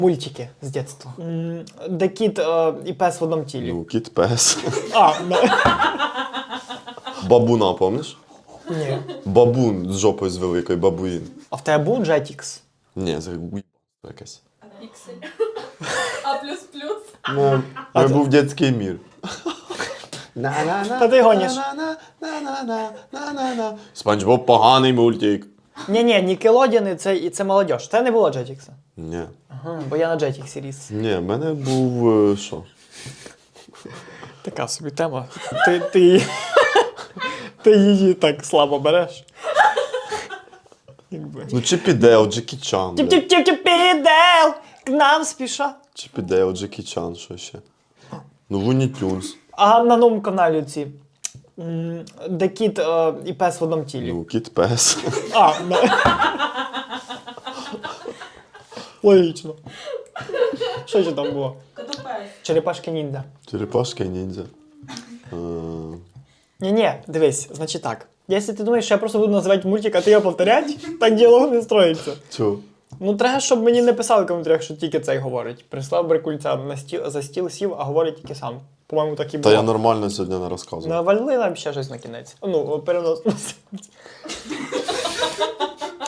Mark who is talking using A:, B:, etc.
A: Мультики з дитинства. Де кіт і пес в одному тілі.
B: Ну, кіт, пес.
A: А,
B: Бабуна, помниш?
A: ні.
B: Бабун з жопою з великою, бабуїн.
A: А в тебе був Jetix?
B: Ні, це якась.
C: Піксель. А плюс-плюс.
B: Ну, це був дитячий мір.
A: Та ти гониш.
B: Спанч Боб поганий мультик.
A: Ні, Нікелодіани це молодіж. Це не було Jetix.
B: Ні.
A: Ага, бо я на Jetix ріс.
B: Ні, в мене був що?
A: Така собі тема. Ти її так слабо береш. Якби.
B: Ну, Чіп і Дейл, Джекі Чан. бля.
A: Тіп-тіп-тіп-тіп-дел! К нам спіша.
B: Чіп і Дейл, Джекі Чан, що ще? Ну, Луні Тюнс.
A: А на новому каналі ці. Де кіт і пес в одному тілі.
B: Ну, кіт, пес.
A: А, логічно. Що ще там було?
C: Котопес.
A: Черепашки ніндзя.
B: Черепашка ніндзя.
A: Ні, дивись, значить так. Якщо ти думаєш, що я просто буду називати мультик, а ти його повторяти, так діалог не строїться.
B: Чого?
A: Ну, треба, щоб мені не писали в коментарях, що тільки цей говорить. Прислав Брикульця за стіл сів, а говорить тільки сам. По-моєму, так і було.
B: Та я нормально сьогодні не розказував.
A: Навали нам ще щось на кінець. Ну, переносно.